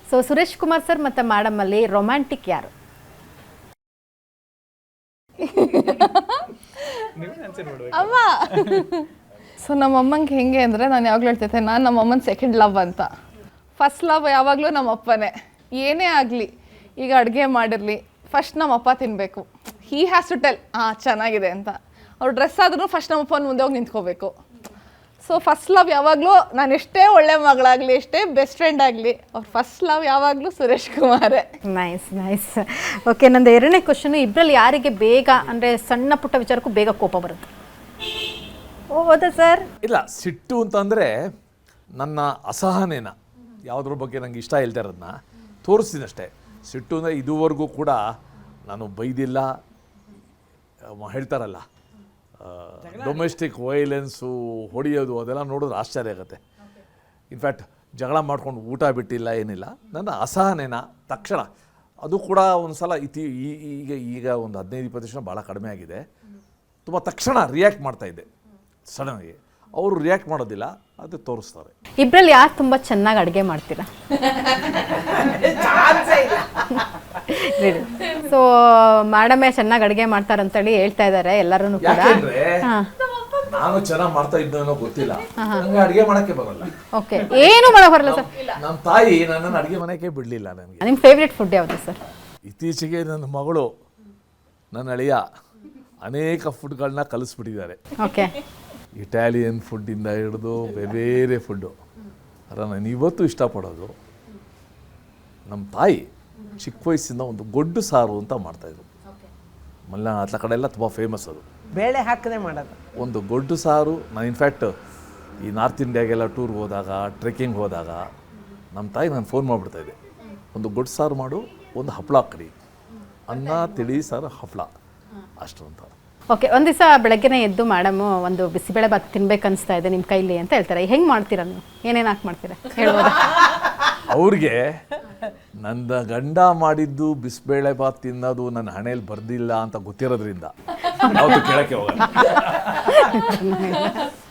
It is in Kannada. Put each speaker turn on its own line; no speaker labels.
ಸೊ ಸುರೇಶ್ ಕುಮಾರ್ ಸರ್ ಮತ್ತು ಮೇಡಮ್ ಅಲ್ಲಿ ರೊಮ್ಯಾಂಟಿಕ್ ಯಾರು?
ಅಮ್ಮ ಸೊ ನಮ್ಮಮ್ಮಂಗೆ ಹೆಂಗೆ ಅಂದರೆ ನಾನು ಯಾವಾಗಲೂ ಹೇಳ್ತೈತೆ ನಾನು ನಮ್ಮಮ್ಮನ ಸೆಕೆಂಡ್ ಲವ್ ಅಂತ. ಫಸ್ಟ್ ಲವ್ ಯಾವಾಗಲೂ ನಮ್ಮಪ್ಪನೇ. ಏನೇ ಆಗಲಿ, ಈಗ ಅಡುಗೆ ಮಾಡಿರಲಿ ಫಸ್ಟ್ ನಮ್ಮಪ್ಪ ತಿನ್ನಬೇಕು. ಹೀ ಹ್ಯಾಸ್ ಟು ಟೆಲ್ ಚೆನ್ನಾಗಿದೆ ಅಂತ. ಅವ್ರು ಡ್ರೆಸ್ ಆದ್ರೂ ಫಸ್ಟ್ ನಮ್ಮಪ್ಪನ ಮುಂದೆ ಹೋಗಿ ನಿಂತ್ಕೋಬೇಕು. ಸೊ ಫಸ್ಟ್ ಲವ್ ಯಾವಾಗಲೂ ನಾನು ಎಷ್ಟೇ ಒಳ್ಳೆ ಮಗಳಾಗಲಿ, ಎಷ್ಟೇ ಬೆಸ್ಟ್ ಫ್ರೆಂಡ್ ಆಗಲಿ, ಅವ್ರ ಫಸ್ಟ್ ಲವ್ ಯಾವಾಗಲೂ ಸುರೇಶ್ ಕುಮಾರೇ.
Nice nice. ಓಕೆ, ನಂದು ಎರಡನೇ ಕ್ವಶನ್, ಇಬ್ಬರಲ್ಲಿ ಯಾರಿಗೆ ಬೇಗ ಅಂದರೆ ಸಣ್ಣ ಪುಟ್ಟ ವಿಚಾರಕ್ಕೂ ಬೇಗ ಕೋಪ ಬರುತ್ತೆ? ಹೌದಾ ಸರ್?
ಇಲ್ಲ, ಸಿಟ್ಟು ಅಂತಂದರೆ ನನ್ನ ಅಸಹನೇನ ಯಾವುದ್ರ ಬಗ್ಗೆ ನಂಗೆ ಇಷ್ಟ ಇಲ್ಲದೆ ಇರೋದನ್ನ ತೋರಿಸ್ತೀನಷ್ಟೇ. ಸಿಟ್ಟು ಅಂದರೆ ಇದುವರೆಗೂ ಕೂಡ ನಾನು ಬೈದಿಲ್ಲ. ಹೇಳ್ತಾರಲ್ಲ ಡೊಮೆಸ್ಟಿಕ್ ವೈಲೆನ್ಸು, ಹೊಡೆಯೋದು, ಅದೆಲ್ಲ ನೋಡಿದ್ರೆ ಆಶ್ಚರ್ಯ ಆಗುತ್ತೆ. ಇನ್ಫ್ಯಾಕ್ಟ್ ಜಗಳ ಮಾಡ್ಕೊಂಡು ಊಟ ಬಿಟ್ಟಿಲ್ಲ, ಏನಿಲ್ಲ. ನನ್ನ ಅಸಹನೇನ ತಕ್ಷಣ ಅದು ಕೂಡ ಒಂದು ಸಲ ಈಗ ಒಂದು 15-20 ಭಾಳ ಕಡಿಮೆ ಆಗಿದೆ. ತುಂಬ ತಕ್ಷಣ ರಿಯಾಕ್ಟ್ ಮಾಡ್ತಾಯಿದ್ದೆ ಸಡನ್ನಾಗಿ. ಅವರು ರಿಯಾಕ್ಟ್ ಮಾಡೋದಿಲ್ಲ, ಅದು ತೋರಿಸ್ತಾರೆ.
ಇಬ್ಬರಲ್ಲಿ ಯಾರು ತುಂಬ ಚೆನ್ನಾಗಿ ಅಡುಗೆ ಮಾಡ್ತೀರಾ? ಸೊ ಮೇಡಮೇ ಚೆನ್ನಾಗಿ ಅಡುಗೆ ಮಾಡ್ತಾರಂತೇಳಿ ಹೇಳ್ತಾ ಇದ್ದಾರೆ ಎಲ್ಲರೂ ಕೂಡ.
ಯಾಕೆಂದ್ರೆ ನಾನು ಚೆನ್ನಾಗಿ ಮಾಡ್ತಾ ಇದ್ದನೋ ಗೊತ್ತಿಲ್ಲ, ನಂಗೆ ಅಡುಗೆ ಮಾಡಕ್ಕೆ ಬರಲ್ಲ.
ಓಕೆ, ಏನು ಮಾಡಕ್ಕೆ ಬರಲ್ಲ ಸರ್?
ನಮ್ಮ ತಾಯಿ ನನ್ನನ್ನು ಅಡುಗೆ ಮನೆಗೆ ಬಿಡಲಿಲ್ಲ. ನನಗೆ
ನಿಮ್ಮ ಫೇವ್ರೆಟ್ ಫುಡ್ ಯಾವುದು ಸರ್?
ಇತ್ತೀಚೆಗೆ ನನ್ನ ಮಗಳು, ನನ್ನ ಅಳಿಯ ಅನೇಕ ಫುಡ್ಗಳನ್ನ ಕಲಿಸ್ಬಿಟ್ಟಿದ್ದಾರೆ.
ಓಕೆ,
ಇಟಾಲಿಯನ್ ಫುಡ್ಡಿಂದ ಹಿಡಿದು ಬೇರೆ ಫುಡ್ಡು. ಅದನ್ನು ನಾನು ಇವತ್ತು ಇಷ್ಟಪಡೋದು. ನಮ್ಮ ತಾಯಿ ಚಿಕ್ಕ ವಯಸ್ಸಿಂದ ಒಂದು ಗೊಡ್ಡು ಸಾರು ಅಂತ ಮಾಡ್ತಾಯಿದ್ರು. ಮಲೆನಾಡು ಕಡೆ ಎಲ್ಲ ತುಂಬ ಫೇಮಸ್ ಅದು.
ಬೇಳೆ ಹಾಕದೆ ಮಾಡೋದು
ಒಂದು ಗೊಡ್ಡು ಸಾರು. ನಾನು ಇನ್ಫ್ಯಾಕ್ಟ್ ಈ ನಾರ್ತ್ ಇಂಡಿಯಾಗೆಲ್ಲ ಟೂರ್ಗೆ ಹೋದಾಗ, ಟ್ರೆಕ್ಕಿಂಗ್ ಹೋದಾಗ ನಮ್ಮ ತಾಯಿ ನಾನು ಫೋನ್ ಮಾಡಿಬಿಡ್ತಾಯಿದ್ದೆ, ಒಂದು ಗೊಡ್ಡು ಸಾರು ಮಾಡು, ಒಂದು ಹಪ್ಪಳ ಕಡಿ, ಅನ್ನ ತಿಳಿ ಸಾರು ಹಪ್ಪಳ, ಅಷ್ಟು ಅಂತ.
ಓಕೆ, ಒಂದು ದಿವಸ ಬೆಳಗ್ಗೆನೇ ಎದ್ದು ಮೇಡಮು ಒಂದು ಬಿಸಿಬೇಳೆ ಭಾತ್ ತಿನ್ಬೇಕು ಅನಿಸ್ತಾ ಇದೆ ನಿಮ್ಮ ಕೈಲಿ ಅಂತ ಹೇಳ್ತಾರೆ. ಹೆಂಗೆ ಮಾಡ್ತೀರಾ ನೀವು? ಏನೇನು ಹಾಕಿ ಮಾಡ್ತೀರಾ ಹೇಳ್ಬೋದಾ?
ಅವ್ರಿಗೆ ನನ್ನ ಗಂಡ ಮಾಡಿದ್ದು ಬಿಸಿಬೇಳೆ ಭಾತ್ ತಿನ್ನೋದು ನನ್ನ ಹಣೆಯಲ್ಲಿ ಬರ್ದಿಲ್ಲ ಅಂತ ಗೊತ್ತಿರೋದ್ರಿಂದ ಯಾವತ್ತೂ ಕೇಳಕ್ಕೆ ಹೋಗಲ್ಲ.